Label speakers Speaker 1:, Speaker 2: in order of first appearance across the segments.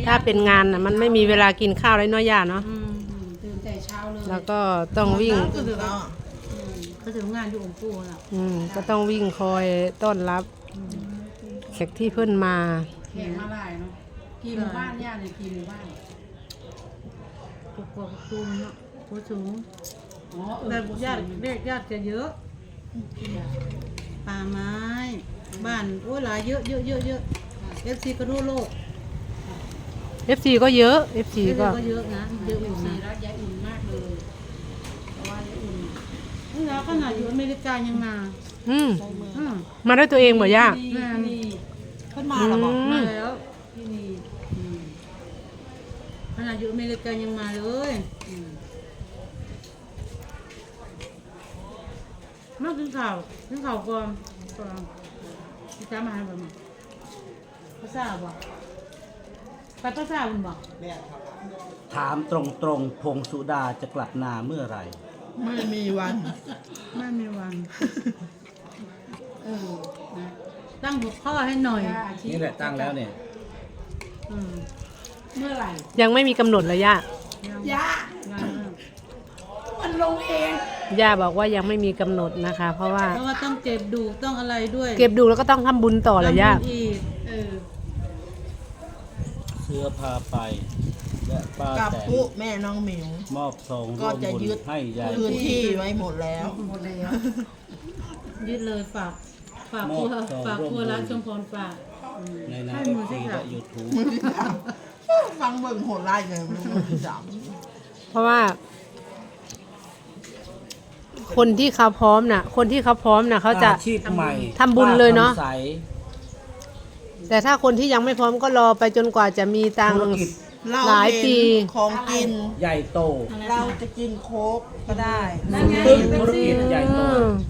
Speaker 1: ถ้าเป็นงานน่ะมันไม่มีเวลากินข้าวเลยเนาะย่าเนาะ
Speaker 2: ตื่นแต่เช้าเลย
Speaker 1: แล้วก็ต้องวิ่ง
Speaker 2: ก็ถึงก็ถึงงานอยู่องค์ปู่น่ะ
Speaker 1: ก็ต้องวิ่งคอยต้อนรับแขกที่เพิ่นมา
Speaker 2: แข่งมาหลายเนาะกี่หมู่บ้านย่าเนี่ยกี่หมู่บ้านกกอกตูมเนาะโคสูงแบบญาติเรียกญาติจะเยอะป่าไม้บ้านโอ้หลายเยอะFC ก็ทั่วโลก
Speaker 1: FC ก็เยอะ FC ก็
Speaker 2: เยอะนะเยอะอยู่นะรักยายอุ่นมากเลยเพราะว่ายายอุ่นนี่แล้วขนาดอยู่อเมริกายังมา
Speaker 1: มาด้วยตัวเองบ่ย่า
Speaker 2: นี่
Speaker 3: เพิ่นมาแล้วบอก
Speaker 2: มาแล้วที่นี่ขนาดอยู่อเมริกายังมาเลยมากินข้าวก่อนพี่จ้ามาให้บ่มาภาษาบ่ไปภาษาคุณบ่
Speaker 4: ถามตรงๆพงสุดาจะกลับนาเมื่อไหร่
Speaker 3: ไม่มีวัน
Speaker 2: ไม่มีวันนะตั้งหัวข้อให้หน่อย
Speaker 4: นี่แหละตั้งแล้วเนี่ย
Speaker 2: เมื่อไหร่
Speaker 1: ยังไม่มีกำหนดเลยย่า
Speaker 3: ย่า มันลงเอง
Speaker 1: ย่าบอกว่ายังไม่มีกำหนดนะคะ เพราะว่า
Speaker 2: เพราะว่าต้องเก็บดูต้องอะไรด้วย
Speaker 1: เก็บดูแล้วก็ต้องทำบุญต่อเลยย่า
Speaker 2: ทำบุญอีก
Speaker 4: เสื้อพาไป และป้า
Speaker 3: กับ
Speaker 4: แตน
Speaker 3: ปุ๊แม่น้องหมิว
Speaker 4: มอบซอง
Speaker 3: ก็
Speaker 4: ร่วม
Speaker 3: จะ
Speaker 4: บุญ
Speaker 3: ยึด
Speaker 4: ให้ยาย
Speaker 3: พื้นที่ไว้หมดแล้ว
Speaker 2: ยึดเลยฝากครัวร้านชมพรฝาก
Speaker 4: ในนา
Speaker 2: ให้
Speaker 4: เอ
Speaker 2: มื
Speaker 4: ฟ
Speaker 2: อ
Speaker 4: ซี
Speaker 2: ที่
Speaker 4: และ
Speaker 2: สาม
Speaker 4: ยูทูบ
Speaker 3: ฟังเบิ่งโหดไล่เลยมือที่สาม
Speaker 1: เพราะว่า คนที่เขาพร้อมน่ะเขาจะ
Speaker 4: อาชีพใหม่
Speaker 1: ทำบุญเลยเนอะ
Speaker 4: ป้คำใส
Speaker 1: แต่ถ้าคนที่ยังไม่พร้อมก็รอไปจนกว่าจะมีตังค์
Speaker 4: ธุรกิจ
Speaker 3: เรา
Speaker 1: หลายปี
Speaker 3: เห็นของกิน
Speaker 4: ใหญ่โต
Speaker 3: เราจะกินโค้กก็ได้
Speaker 4: ธุรกิจใหญ่โต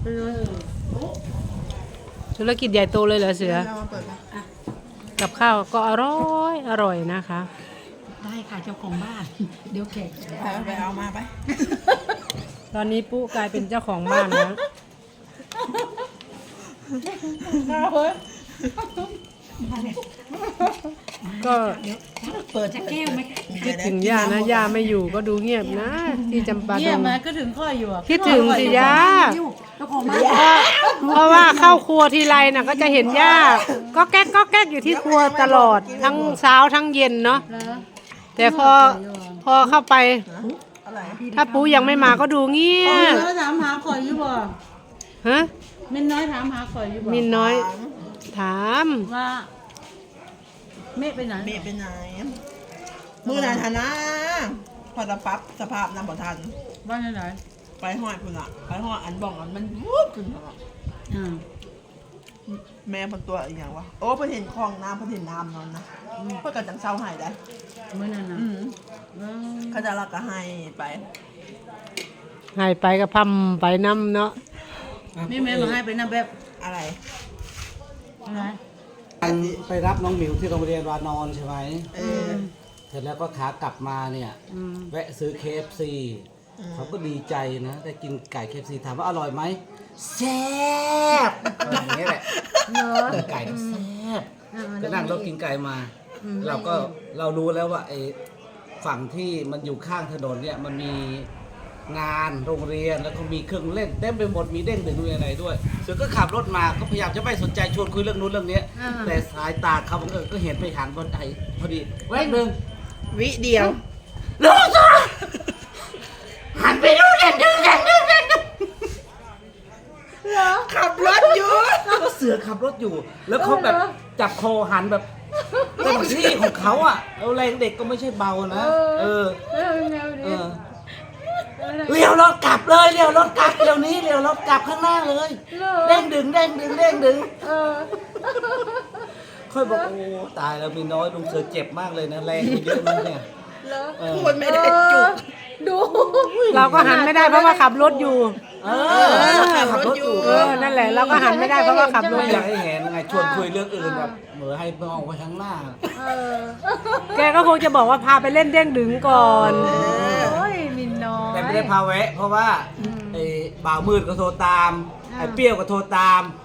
Speaker 1: ธุรกิจใหญ่โตเลยเหรอเสือ
Speaker 3: เรามาเปิดนะ
Speaker 1: กับข้าวก็อร่อยนะคะ
Speaker 2: ได้ค่ะเจ้าของบ้าน เดี๋ยวแขก
Speaker 3: ไปเอามาไป
Speaker 1: ตอนนี้ปุ๊กลายเป็นเจ้าของบ้านแล้วก็
Speaker 3: เปิดแก้วไหม
Speaker 1: คิดถึงย่านะย่าไม่อยู่ก็ดูเงียบนะ ที่จำปาด
Speaker 2: เยี่ยม
Speaker 1: ง
Speaker 2: ไหมก็ถึงข้ออยู่อ่ะ
Speaker 1: คิดถึงสิย่า
Speaker 2: เจ้าของบ้าน
Speaker 1: เพราะว่าเข้าครัวทีไรน่ะก็จะเห็นย่าก็แก๊กอยู่ที่ครัวตลอดทั้งเช้าทั้งเย็นเนาะ
Speaker 2: แล้ว
Speaker 1: แต่พอเข้าไป
Speaker 3: อะไร
Speaker 1: ถ้าปูยังไม่มาก็ดูเงียบ
Speaker 2: แล้วถามหาข่อยอยู่บ่
Speaker 1: ฮะ
Speaker 2: มินน้อยถามหาข่อยอยู่บ่
Speaker 1: มินน้อยถาม
Speaker 2: ว่าเมฆไปไหน
Speaker 3: เมย์ไปไหน มือไหนทันนะพอจะปรั๊บสภาพน้ำบ่ทัน
Speaker 2: บ้านไหน
Speaker 3: ไปห้อยคุณอะไปห้อยอันบ่องอันมันวูบขึ้นมา แม่เป็นตัวอีกอย่างวะโอ้เพิ่นเห็นคลองน้ำเพิ่นเห็นน้ำนอนนะเพิ่นก็จังเศร้าใหายได้
Speaker 2: เมื่อนั้นนะ
Speaker 3: เขาจะรักก็ให้ไป
Speaker 1: หายไปก็พำไปน้ำเนาะ
Speaker 2: นี่แม่มาให้ไปนะแบบ
Speaker 3: อะไร
Speaker 2: อะไร
Speaker 4: ไปรับน้องหมิวที่โรงเรียนวานอนใช่ไหม
Speaker 3: เออ
Speaker 4: เสร็จแล้วก็ขากลับมาเนี่ย แวะซื้อ KFC เขาก็ดีใจนะได้กินไก่ KFC ถามว่าอร่อยไหมแซ่บอย่างนี้แหละไก่ก็แซ่บก็นั่งเรากินไก่มา เรารู้แล้วว่าไอ้ฝั่งที่มันอยู่ข้างถนนเนี่ยมันมีงานโรงเรียนแล้วก็มีเครื่องเล่นเต็มไปหมดมีเด้งดึงด้วยอะไรด้วยเสือก็ขับรถมาก็พยายามจะไม่สนใจชวนคุยเรื่องนู้นเรื่องนี้แต่สายตาเขาก็เห็นไปหันบนไอ้พอดีแวบหนึ่ง
Speaker 3: วิเดียว
Speaker 4: ลูกจ้าหันไปดูเด่น
Speaker 3: ขับรถอยู่
Speaker 4: ก็เสือขับรถอยู่ แล้วเขาแบบจับคอหันแบบเต็มที่ของเขาอ่ะเอาแรงเด็กก็ไม่ใช่เบานะเออเลี้ยวรถกลับเลยเลี้ยวรถกลับเดี๋ยวนี้เลี้ยวรถกลับข้างหน้าเลยเด้งดึงค่อยบอกโอ้ตายแล้วมีน้อยลุงเสือเจ็บมากเลยนะแรงเยอะมากเนี่ย
Speaker 3: พูดไม่ได้จุก
Speaker 1: เราก็หันไม่ได้เพราะว่าขับรถอยู่
Speaker 4: ขับรถอยู่
Speaker 1: นั่นแหละเราก็หันไม่ได้เพราะว่าขับรถ
Speaker 4: ไม่
Speaker 1: อ
Speaker 4: อยากให้เห็นไงชวนคุยเรื่องอื่นแบบเหมือนให้มองไปข้างหน้า
Speaker 1: แกก็คงจะบอกว่าพาไปเล่นเด้งดึงก่อน
Speaker 2: โอ้ยมินน้อย
Speaker 4: แต่ไม่ได้พาแวะเพราะว่าไอ้บ่าวมืดก็โทรตามไอ้เปรี้ยวก็โทรตาม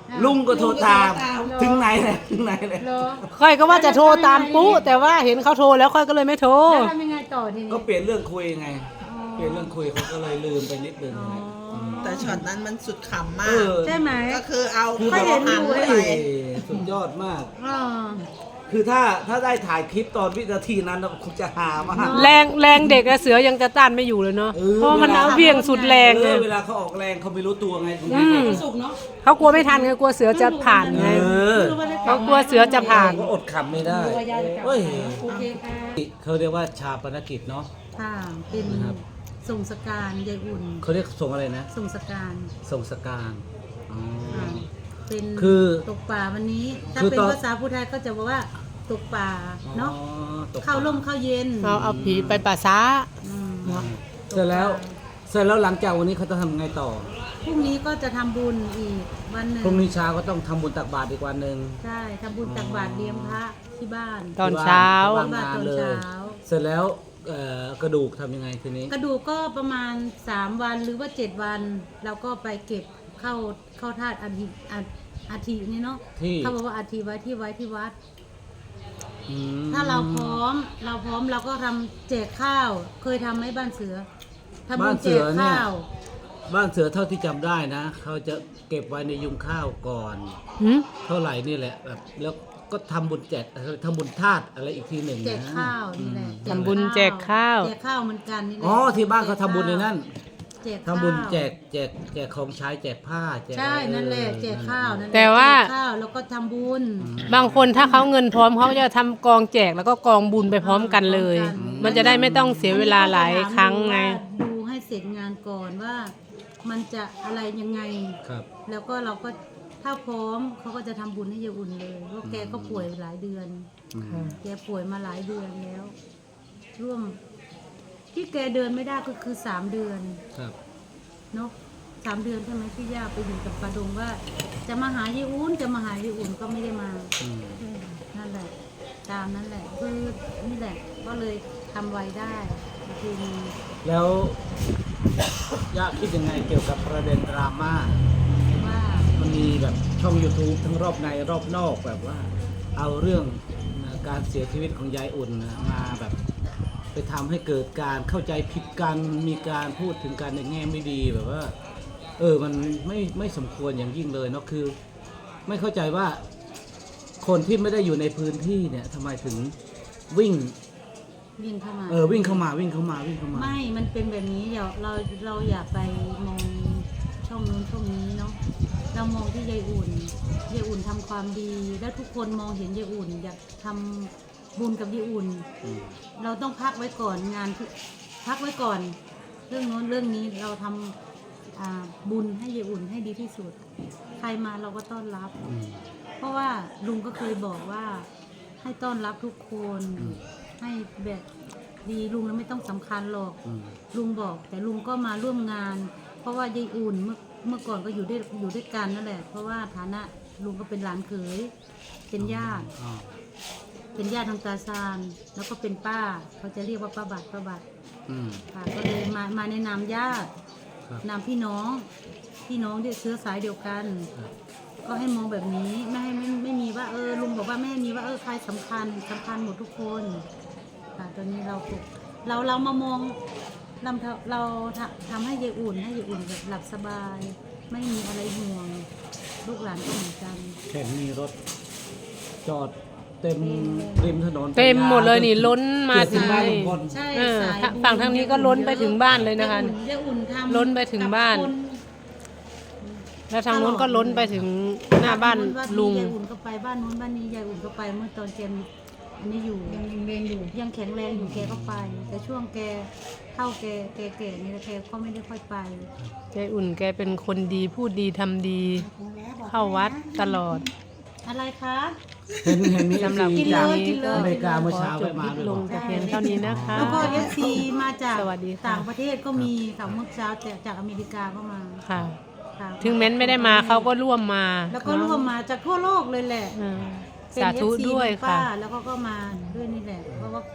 Speaker 4: ลุงก็โทรตามถึงไหนเลยถึงไหนเลย
Speaker 2: เหรอ
Speaker 1: ค่อยก็ว่าจะโทรตามปุ๊แต่ว่าเห็นเขาโทรแล้วค่อยก็เลยไม่โทร
Speaker 2: แล้วทำยังไงต่อทีนี้
Speaker 4: ก็เปลี่ยนเรื่องคุยไง เปลี่ยนเรื่องคุยเขาก็เลยลืมไปนิดนึง
Speaker 3: แต่ช็อตนั้นมันสุดขำมา
Speaker 4: เอก อ
Speaker 2: ใช่ไหม
Speaker 3: ก็คือเอา
Speaker 4: คือ
Speaker 3: ข้าว
Speaker 4: แบบ
Speaker 3: หัน
Speaker 4: ว่า
Speaker 3: ไป
Speaker 4: สุดยอดมาก
Speaker 2: อ๋อ
Speaker 4: คือถ้าได้ถ่ายคลิปตอนวินาทีนั้นคงจะหามาก
Speaker 1: แรงเด็กอะเสือยังจะต้านไม่อยู่เลยเนาะ
Speaker 4: เออ
Speaker 1: เพราะมันเอาเบี่ยงสุดแรง
Speaker 4: เอ
Speaker 1: ไง
Speaker 4: อเวลาเขาออกแรงเขาไม่รู้ตัวไง
Speaker 2: สุกเนาะ
Speaker 1: เขากลัวไม่ทันไงกลัวเสือจะผ่านไง
Speaker 4: เออ
Speaker 1: เขากลัวเสือจะผ่าน
Speaker 4: ก็อดขำไม่ได้
Speaker 2: ตัวยายจะกลับ
Speaker 4: เฮ้ย
Speaker 2: โอเคค่ะ
Speaker 4: เขาเรียกว่าชาปนกิจเนาะ
Speaker 2: ค่ะเป็น
Speaker 4: ครับ
Speaker 2: ส่งสการยายอุ่น
Speaker 4: เขาเรียกส่งอะไรนะ
Speaker 2: ส่งสการ
Speaker 4: ส่งสการอ๋อ
Speaker 2: ค่ะเป็น
Speaker 4: คือ
Speaker 2: ตกป่าวันนี้ ถ้า
Speaker 4: คือ
Speaker 2: เป็น
Speaker 4: ตอน
Speaker 2: ภาษาพูไทยก็จะบอกว่าตกป่าเนาะ
Speaker 4: อ๋อตก
Speaker 2: เข้าร่มเข้าเย็น
Speaker 1: เอาผีไปป่าช้า
Speaker 2: อืม
Speaker 4: เสร็จแล้วหลังจากวันนี้เขาจะทำไงต่อ
Speaker 2: พรุ่งนี้ก็จะทำบุญอีกวันหนึ่ง
Speaker 4: พรุ่งนี้เช้าก็ต้องทำบุญตักบาตรอีกวันหนึ่ง
Speaker 2: ใช่ทำบุญตักบาตรเลี้ยงพระที่บ้าน
Speaker 1: ตอนเช้า
Speaker 4: ที่บ้านงานเลย
Speaker 2: ตอนเช้า
Speaker 4: เสร็จแล้วกระดูกทำยังไงทีนี้
Speaker 2: กระดูกก็ประมาณ3วันหรือว่า7วันเราก็ไปเก็บเข้าธาตุอาทินี่เนาะ
Speaker 4: ที่
Speaker 2: เขาบอกว่าอาทิไว้ที่วัด
Speaker 4: อืม
Speaker 2: ถ้าเราพร้อมเราก็ทำแจกข้าว เคยทำไหมบ้านเสือทำบุญแจกข้าว
Speaker 4: บ้านเสือเท่าที่จำได้นะเขาจะเก็บไว้ในยุงข้าวก่อน
Speaker 1: หืม
Speaker 4: เท่าไหร่นี่แหละแบบแล้วก็ทำบุญแจกทำบุญธาตุอะไรอีกทีหนึ่ง
Speaker 2: แจก
Speaker 4: นะ
Speaker 2: ข้าวนี่แหละ
Speaker 1: ทำบุญแจกข้าว
Speaker 2: แจกข้าวเหมือนกันนี่แหละ
Speaker 4: อ๋อที่บ้านเขาทำบุญในนั้น
Speaker 2: แจกข้าว
Speaker 4: ทำบุญแจกของใช้แจกผ้าแจก
Speaker 2: ใช่นั่นแหละแจกข้าวนั่นหละ
Speaker 1: แต่ว่า
Speaker 2: แจกข้าวแล้วก็ทำบุญ
Speaker 1: บางคนถ้าเขาเงินพร้อมเขาจะทำกองแจกแล้วก็กองบุญไปพร้อมกันเลย มันจะได้ไม่ต้องเสียเวลาหลายครั้งไง
Speaker 2: ดูให้เสร็จงานก่อนว่า มันจะอะไรยังไง
Speaker 4: ครับ
Speaker 2: แล้วก็เราก็ถ้าพร้อมเขาก็จะทำบุญให้ยายอุ่นเลยเพราะแกก็ป่วยหลายเดือน แกป่วยมาหลายเดือนแล้ว ร่วม ที่แกเดินไม่ได้ก็คือ3 เดือน
Speaker 4: ครับ
Speaker 2: เนาะ3 เดือนใช่ไหมที่ย่าไปอยู่กับปาดงว่า จะมาหายายอุ่นจะมาหายายอุ่นก็ไม่ได้มา
Speaker 4: อืม
Speaker 2: นั่นแหละ ตามนั่นแหละคือนี่แหละ ก็เลยทำไว้ได้คือ
Speaker 4: แล้วย่าคิดยังไงเกี่ยวกับประเด็นดราม่า
Speaker 2: ว่า
Speaker 4: มันมีแบบช่อง YouTube ทั้งรอบในรอบนอกแบบว่า เอาเรื่องการเสียชีวิตของยายอุ่นมาแบบไปทำให้เกิดการเข้าใจผิดกันมีการพูดถึงกันในแง่ไม่ดีแบบว่า มันไม่สมควรอย่างยิ่งเลยเนาะคือ ไม่เข้าใจว่าคนที่ไม่ได้อยู่ในพื้นที่เนี่ยทำไมถึงวิ่ง
Speaker 2: วิ่งเข้ามา
Speaker 4: วิ่งเข้ามา
Speaker 2: ไม่ มันเป็นแบบนี้เราอย่าไปมองช่องนู้นช่องนี้เนาะ เรามองที่ยายอุ่น ยายอุ่นทำความดี แล้วทุกคนมองเห็นยายอุ่น อยากทำบุญกับยายอุ่น เราต้องพักไว้ก่อนงานที่พักไว้ก่อน เรื่องโน้นเรื่องนี้เราทำบุญให้ยายอุ่นให้ดีที่สุด ใครมาเราก็ต้อนรับ เพราะว่าลุงก็เคยบอกว่าให้ต้อนรับทุกคน ให้แบบดีลุงแล้วไม่ต้องสำคัญหรอก ลุงบอกแต่ลุงก็มาร่วมงาน เพราะว่ายายอุ่นเมื่อก่อนก็อยู่ด้วยกันนั่นแหละ เพราะว่าฐานะลุงก็เป็นหลานเขยเป็นญาติทางตาซานแล้วก็เป็นป้าเขาจะเรียกว่าป้าบัตรค่ะก็เลยมาในนามญาติ
Speaker 4: ครับ
Speaker 2: นามพี่น้องที่เชื้อสายเดียวกัน ก็ให้มองแบบนี้ไม่มีว่าลุงบอกว่าไม่ให้มีว่าใครสำคัญหมดทุกคนค่ะตอนนี้เรามามองเราทำให้ยายอุ่นแบบหลับสบาย ไม่มีอะไรห่วงลูกหลานก็เหมือนกัน
Speaker 4: เห็นมีรถจอดเต็มริมถนน
Speaker 1: เต็มหมดเลยนี่ล้นมาถึง
Speaker 4: บ้านลุงพล
Speaker 2: ใช่
Speaker 1: เออ
Speaker 2: สายบุญ
Speaker 1: ฝั่งทางนี้ก็ล้นไปถึงบ้านเลยนะคะ
Speaker 2: ยายอุ่นทำ
Speaker 1: ล้นไปถึงบ้าน
Speaker 2: กับค
Speaker 1: แล้วทางนู้นก็ล้นไปถึงหน้าบ้านลุง
Speaker 2: ยายอุ่นก็ไปบ้านนู้นบ้านนี้ยายอุ่นก็ไปเมื่อตอนแกมีอันนี้อยู่ยังแข็งแรงอยู่แกก็ไป แต่ช่วงแกเท่าแกนี่แกก็ไม่ได้ค่อยไป
Speaker 1: ยายอุ่นแกเป็นคนดีพูดดีทำดี เข้าวัดตลอด
Speaker 2: อะไรคะ
Speaker 4: เห็นมี
Speaker 1: สำหรับ
Speaker 2: กิน
Speaker 1: คลิป
Speaker 2: เลย
Speaker 1: นี้
Speaker 2: กินเลย
Speaker 4: อเมริกาเมื่อ
Speaker 1: ขอ
Speaker 4: เช้า
Speaker 1: จ
Speaker 4: ไป
Speaker 1: บค
Speaker 4: มา
Speaker 1: ลิป
Speaker 4: ด้วย
Speaker 1: ลงแต่เพียงเท่านี้นะคะ
Speaker 2: แล้วก็FC มาจาก
Speaker 1: สวัสดีค่ะ
Speaker 2: ต่างประเทศก็มีค่ะเมื่อเช้าจากอเมริกาก็มา
Speaker 1: ค่ะ
Speaker 2: ค่ะ
Speaker 1: ถึงแม้นไม่ได้มาเขาก็ร่วมมา
Speaker 2: แล้วก็ร่วมมาจากทั่วโลกเลยแหละ
Speaker 1: เออ
Speaker 2: เป็น
Speaker 1: สาธุ
Speaker 2: FC
Speaker 1: ด้วย
Speaker 2: ของ
Speaker 1: ค่ะ
Speaker 2: ป้าแล้วก็มาด้วยนี่แหละเพราะว่า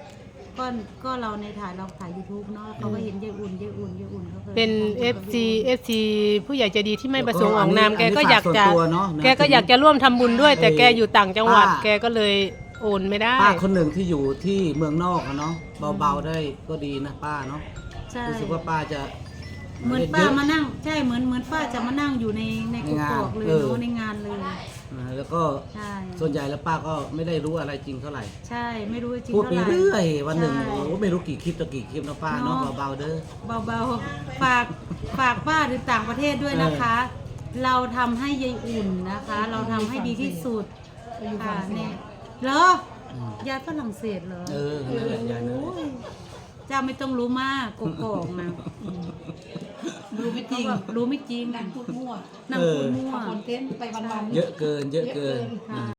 Speaker 2: ก็เราในถ่ายเราถ่าย YouTube เนาะเขาก็เห็นยายอุ่นเขาเคย
Speaker 1: เป็น FC ผู้ใหญ่ใจดีที่ไม่ประสงค์ออกนาม
Speaker 4: แล้วก็
Speaker 1: แกก็อยากจะ
Speaker 4: อันนี้ฝากส่วนตัวเนอะนะ
Speaker 1: แกก็อยากจะร่วมทำบุญด้วย แต่
Speaker 4: ไอ้
Speaker 1: แกอยู่ต่างจังหวัด
Speaker 4: ป้า
Speaker 1: แกก็เลยโอนไม่ได้
Speaker 4: ป้าคนหนึ่งที่อยู่ที่เมืองนอกอะเนาะเบาๆได้ก็ดีนะป้าเนาะ
Speaker 2: ใช่
Speaker 4: รู้สึกว่าป้าจะ
Speaker 2: เหมือนป้ามานั่งใช่เหมือนป้าจะมานั่งอยู่ในก
Speaker 4: ในงาน
Speaker 2: กอกเลย
Speaker 4: เออ
Speaker 2: เนาะในงานเลย
Speaker 4: แล้วก็
Speaker 2: ใช่
Speaker 4: ส่วนใหญ่แล้วป้าก็ไม่ได้รู้อะไรจริงเท่าไหร่
Speaker 2: ใช่ไม่รู้จริง
Speaker 4: พูด
Speaker 2: เท่า
Speaker 4: ไป
Speaker 2: ไหร่
Speaker 4: เรื่อยวันหนึ่ง
Speaker 2: ใช่
Speaker 4: โอ้โหไม่รู้กี่คลิปต่อกี่คลิปนะป้าเนาะ
Speaker 2: เนาะ
Speaker 4: เบาๆเด้อ
Speaker 2: เบาๆฝากป้าหรือต่างประเทศด้วยนะคะ เราทำให้ยายอุ่นนะคะ เราทำให้ดีที่สุดค่ะเนี่ยเหรอ
Speaker 4: อืม
Speaker 2: ยายฝรั่งเศสเหรอ
Speaker 4: นั่นแหละยายนั่นแหละ
Speaker 2: โอ้ยเจ้าไม่ต้องรู้มากกอกๆนะ
Speaker 3: รู้ไม่จริง
Speaker 2: เขาบอกรู้ไม่จริง
Speaker 3: นั่งพูดมั่ว
Speaker 2: นั่งพูดมั่ว
Speaker 3: คอนเทนต์ไปวันๆ
Speaker 4: เยอะเกิน
Speaker 2: ค่ะ